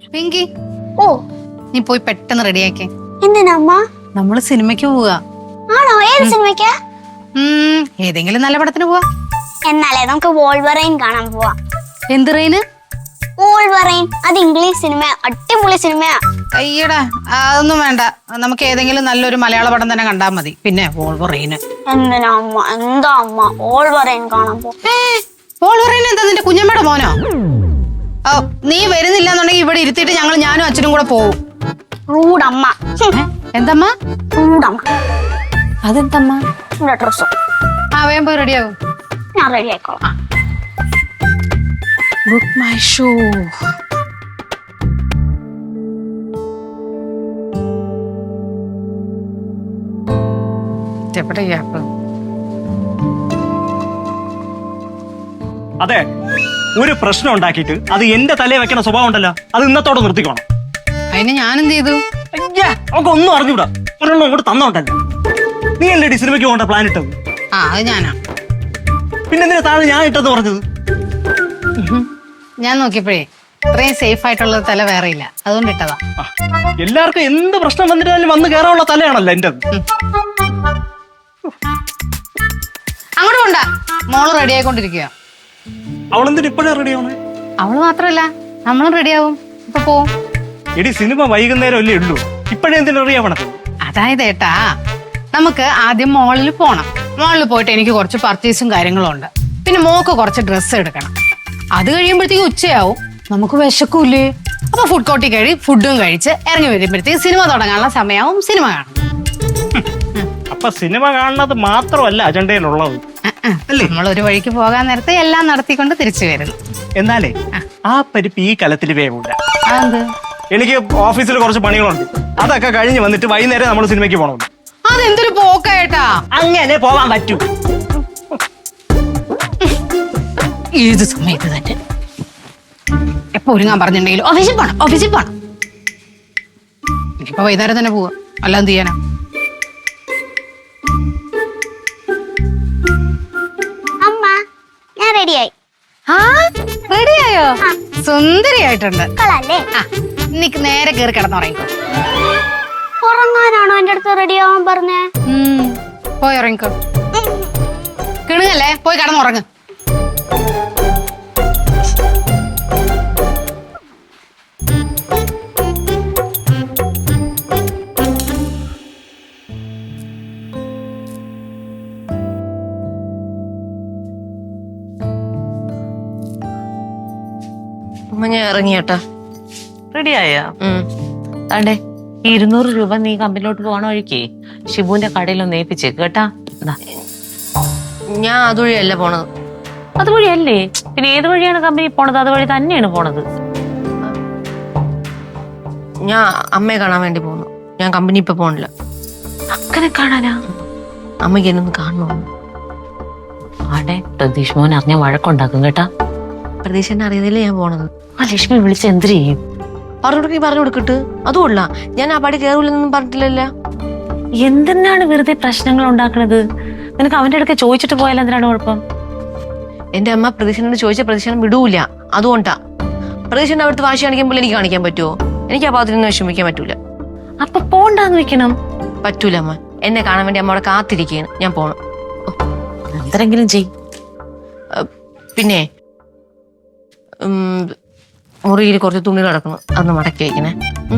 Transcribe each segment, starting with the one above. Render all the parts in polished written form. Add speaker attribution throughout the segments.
Speaker 1: പിങ്കി
Speaker 2: ഓ
Speaker 1: നീ പോയി പെട്ടെന്ന് റെഡിയാക്കേ.
Speaker 2: എന്തിനാ അമ്മ?
Speaker 1: നമ്മള് സിനിമയ്ക്ക് പോവുക.
Speaker 2: ആണോ? ഏത് സിനിമയ്ക്കാ?
Speaker 1: ഏതെങ്കിലും നല്ല പടത്തിന് പോവാ.
Speaker 2: എന്നാലേ നമുക്ക് വോൾവറൈൻ കാണാൻ പോവാ.
Speaker 1: എന്ത് റെയിന്?
Speaker 2: വോൾവറൈൻ. അത് ഇംഗ്ലീഷ് സിനിമ, അടിപൊളി സിനിമയാ.
Speaker 1: അയ്യടാ, അതൊന്നും വേണ്ട. നമുക്ക് ഏതെങ്കിലും നല്ലൊരു മലയാള പടം തന്നെ കണ്ടാൽ മതി. പിന്നെ വോൾവറൈന്
Speaker 2: എന്തിനാ അമ്മ? എന്താ അമ്മ വോൾവറൈൻ കാണാൻ പോ?
Speaker 1: വോൾവറൈൻ എന്താ നിന്റെ കുഞ്ഞമ്മയുടെ മോനോ? നീ വരുന്നില്ല എന്നുണ്ടെങ്കിൽ ഇവിടെ ഇരുത്തിയിട്ട് ഞാനും അച്ഛനും കൂടെ പോവും.
Speaker 2: റൂഡമ്മ.
Speaker 1: എന്തമ്മ?
Speaker 2: റൂഡമ്മ.
Speaker 1: അതെന്തമ്മ?
Speaker 2: ഡ്രസ്സും.
Speaker 1: വേഗം പോയി റെഡിയാവും.
Speaker 2: ഞാൻ റെഡി ആയിക്കോളാം.
Speaker 1: Book my show.
Speaker 3: അതെ, ഒരു പ്രശ്നം ഉണ്ടാക്കിയിട്ട് അത് എന്റെ തലയിൽ വെക്കണ സ്വഭാവം ഉണ്ടല്ലോ, അത് ഇന്നത്തോടെ നിർത്തിക്കോണം.
Speaker 1: അതിന് ഞാനെന്ത് ചെയ്തു?
Speaker 3: അവർക്ക് ഒന്നും അറിഞ്ഞൂടാ. ഒരെണ്ണം ഇങ്ങോട്ട് തന്നോണ്ടല്ലോ. നീ അല്ലേ സിനിമയ്ക്ക് പോകേണ്ട പ്ലാൻ ഇട്ടത്?
Speaker 1: അത് ഞാനാ.
Speaker 3: പിന്നെ എന്തിനാ താഴെ ഞാൻ ഇട്ടെന്ന് പറഞ്ഞത്?
Speaker 1: ഞാൻ നോക്കിയപ്പോഴേ ഇത്രയും സേഫ് ആയിട്ടുള്ള തല വേറെ ഇല്ല, അതുകൊണ്ട് ഇട്ടതാ.
Speaker 3: എല്ലാവർക്കും എന്ത് പ്രശ്നം വന്നിട്ടാലും വന്ന് കയറാനുള്ള തലയാണല്ലോ എന്റെ.
Speaker 1: അങ്ങോട്ട് കൊണ്ട. മോള് റെഡി ആയിക്കൊണ്ടിരിക്കുക.
Speaker 3: അവളെന്തിനാ ഇപ്പോഴേ റെഡി ആവണേ?
Speaker 1: അവള് മാത്രല്ല, നമ്മളും റെഡിയാവും. ഇപ്പൊ പോവും.
Speaker 3: എടി, സിനിമ വൈകുന്നേരം അല്ലേ ഉള്ളൂ, ഇപ്പോഴേ എന്തിനാ റെഡി ആവണത്?
Speaker 1: അതായത് ഏട്ടാ, നമുക്ക് ആദ്യം മോളിൽ പോണം. മോളിൽ പോയിട്ട് എനിക്ക് കുറച്ച് പർച്ചേസും കാര്യങ്ങളും ഉണ്ട്. പിന്നെ മോക്ക് കുറച്ച് ഡ്രസ്സ് എടുക്കണം. അത് കഴിയുമ്പോഴത്തേക്ക് ഉച്ചയാവും. നമുക്ക് വിശക്കൂലേ? അപ്പൊ ഫുഡ് കോർട്ടിൽ കഴി ഫുഡും കഴിച്ച് ഇറങ്ങി വരുമ്പോഴത്തേക്ക് സിനിമ തുടങ്ങാനുള്ള സമയമാവും. സിനിമ കാണും.
Speaker 3: അപ്പൊ സിനിമ കാണുന്നത് മാത്രമല്ല അജണ്ടയിലുള്ളത്.
Speaker 1: നമ്മളൊരു വഴിക്ക് പോകാൻ നേരത്തെ എല്ലാം നടത്തിക്കൊണ്ട് തിരിച്ചു വരുന്നു.
Speaker 3: എന്നാലേ ആ പരിപ്പ് ഈ കലത്തിൽ വേവില്ല. എനിക്ക് ഓഫീസിൽ കുറച്ച് പണികളുണ്ട്. അതൊക്കെ കഴിഞ്ഞ് വന്നിട്ട് വൈകുന്നേരം നമ്മൾ സിനിമയ്ക്ക് പോകണം.
Speaker 1: അതെന്തൊരു പോക്കേട്ടാ.
Speaker 3: അങ്ങനെ പോവാൻ പറ്റൂ.
Speaker 1: ഏത് സമയത്ത് തന്നെ എപ്പോ ഒരുങ്ങാൻ പറഞ്ഞിട്ടുണ്ടെങ്കിലും ഓഫീസിൽ പോണം. ഇനിയിപ്പോ വൈകുന്നേരം തന്നെ പോവാ, അല്ല എന്ത് ചെയ്യാനാ?
Speaker 2: അമ്മ, ഞാൻ റെഡിയായി.
Speaker 1: റെഡിയായോ? സുന്ദരിയായിട്ടുണ്ട്.
Speaker 2: കളല്ലേ?
Speaker 1: നിക്ക് നേരെ കയറി കിടന്നുറങ്ങിക്കോ.
Speaker 2: ഉറങ്ങാനാണോ എന്റെ അടുത്ത് റെഡി ആവാൻ പറഞ്ഞേ?
Speaker 1: പോയി ഉറങ്ങിക്കോ. കിണുങ്ങല്ലേ, പോയി കിടന്നുറങ്ങ്.
Speaker 4: ഞാൻ ഇറങ്ങിയേട്ടാ.
Speaker 5: റെഡിയായ? താണ്ടേ ഈ 200 രൂപ നീ കമ്പനിലോട്ട് പോകണ വഴിക്ക് ഷിബുവിന്റെ കടയിലൊന്ന് ഏൽപ്പിച്ചേക്ക് കേട്ടാ.
Speaker 4: ഞാൻ അതുവഴിയല്ല പോണത്.
Speaker 5: അതുവഴിയല്ലേ? പിന്നെ ഏത് വഴിയാണ് കമ്പനി പോണത്? അതുവഴി തന്നെയാണ് പോണത്.
Speaker 4: ഞാൻ അമ്മയെ കാണാൻ വേണ്ടി പോകുന്നു. ഞാൻ കമ്പനി ഇപ്പൊ പോണില്ല.
Speaker 5: അങ്ങനെ കാണാനാ?
Speaker 4: അമ്മയ്ക്ക് എന്നൊന്ന് കാണണോ?
Speaker 5: ആടെ പ്രതീഷ് മോൻ അറിഞ്ഞ വഴക്കുണ്ടാക്കും കേട്ടാ.
Speaker 4: പ്രതീക്ഷ അറിയുന്നില്ല ഞാൻ പോണത്.
Speaker 5: ആ ലക്ഷ്മി വിളിച്ച് എന്ത് ചെയ്യും?
Speaker 4: പറഞ്ഞു കൊടുക്കിട്ട്. അതുകൊള്ള ഞാൻ ആ പടി കയറൂലെന്നൊന്നും പറഞ്ഞിട്ടില്ലല്ലോ.
Speaker 5: എന്തിനാണ് വെറുതെ പ്രശ്നങ്ങൾ ഉണ്ടാക്കണത്? നിനക്ക് അവന്റെ അടുക്ക ചോദിച്ചിട്ട് പോയാൽ എന്തിനാണ് കുഴപ്പം?
Speaker 4: എന്റെ അമ്മ പ്രതീക്ഷനോട് ചോദിച്ച പ്രതീക്ഷ വിടൂല. അതുകൊണ്ടാ. പ്രതീക്ഷന്റെ അവിടുത്തെ വാശി കാണിക്കുമ്പോൾ എനിക്ക് കാണിക്കാൻ പറ്റുമോ? എനിക്ക് ആ ഭാഗത്തിനൊന്നും വിഷമിക്കാൻ പറ്റൂല.
Speaker 5: അപ്പൊ പോണ്ടാന്ന് വെക്കണം.
Speaker 4: പറ്റൂല അമ്മ. എന്നെ കാണാൻ വേണ്ടി അമ്മ അവിടെ കാത്തിരിക്കുകയാണ്. ഞാൻ പോണം.
Speaker 5: എന്തെങ്കിലും ചെയ്.
Speaker 4: പിന്നെ മുറിയിൽ കുറച്ച് തുണി കിടക്കണം, അതൊന്ന് മടക്കി വയ്ക്കണേ.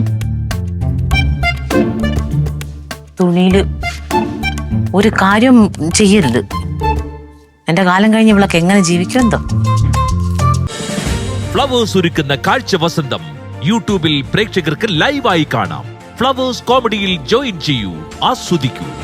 Speaker 5: തുണിയില് ഒരു കാര്യം ചെയ്യരുത്. എന്റെ കാലം കഴിഞ്ഞ് ഇവളൊക്കെ എങ്ങനെ ജീവിക്കുമെന്തോ.
Speaker 6: ഫ്ലവേഴ്സ് ഒരുക്കുന്ന കാഴ്ച വസന്തം യൂട്യൂബിൽ പ്രേക്ഷകർക്ക് ലൈവായി കാണാം. ഫ്ലവേഴ്സ് കോമഡിയിൽ ജോയിൻ ചെയ്യൂ, ആസ്വദിക്കൂ.